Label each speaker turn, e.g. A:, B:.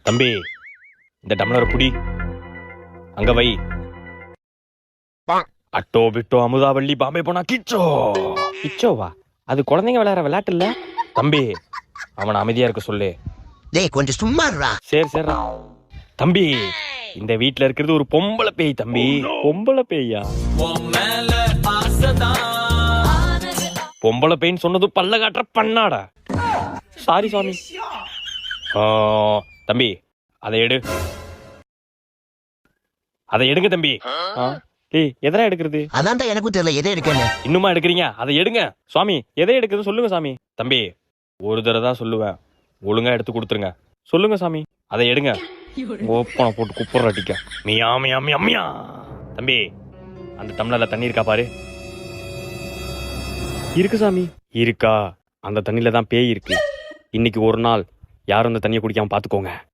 A: தம்பி, இந்த டம்ளர் புடி, அங்க வை. அட்டோ பிட்டோ அமுதாவள்ளி பாம்பே போனா கிச்சோ.
B: கிச்சோவா? அது குழந்தைங்க விளையாடுற விளையாட்டு இல்ல.
A: தம்பி, அவனை அமைதியா இருக்க சொல்லு.
C: டேய் கொஞ்சம் சும்மா இருடா.
A: சரி சரி தம்பி, இந்த வீட்ல இருக்கிறது ஒரு பொம்பளை பேய் தம்பி.
B: பொம்பளை பேயா?
A: பொம்பளை பேய்ன்னு சொன்னது பல்ல காட்டுற பண்ணாடா.
B: சாரி சுவாமி.
A: தம்பி, அதை எடு. அதை எடுங்க தம்பி.
B: டேய், எதனா எடுக்கிறது?
C: அதான்டா எனக்கும் தெரியல எதை எடுக்கன்னு.
A: இன்னுமா எடுக்கிறீங்க? அதை எடுங்க.
B: சுவாமி, எதை எடுக்கிறது சொல்லுங்க சாமி.
A: தம்பி, ஒரு தடவை தான் சொல்லுவேன், ஒழுங்கா எடுத்து கொடுத்துருங்க.
B: சொல்லுங்க சாமி.
A: அதை எடுங்க.
B: ஓப்பனை போட்டு குப்புற அடிக்க.
A: மியா மியா மியா மியா. தம்பி, அந்த டம்ளர்ல தண்ணி இருக்கா பாரு.
B: இருக்கு சாமி.
A: இருக்கா? அந்த தண்ணியில தான் பேய் இருக்கு. இன்னைக்கு ஒரு நாள் யாரும் அந்த தண்ணியை குடிக்காம பாத்துக்கோங்க.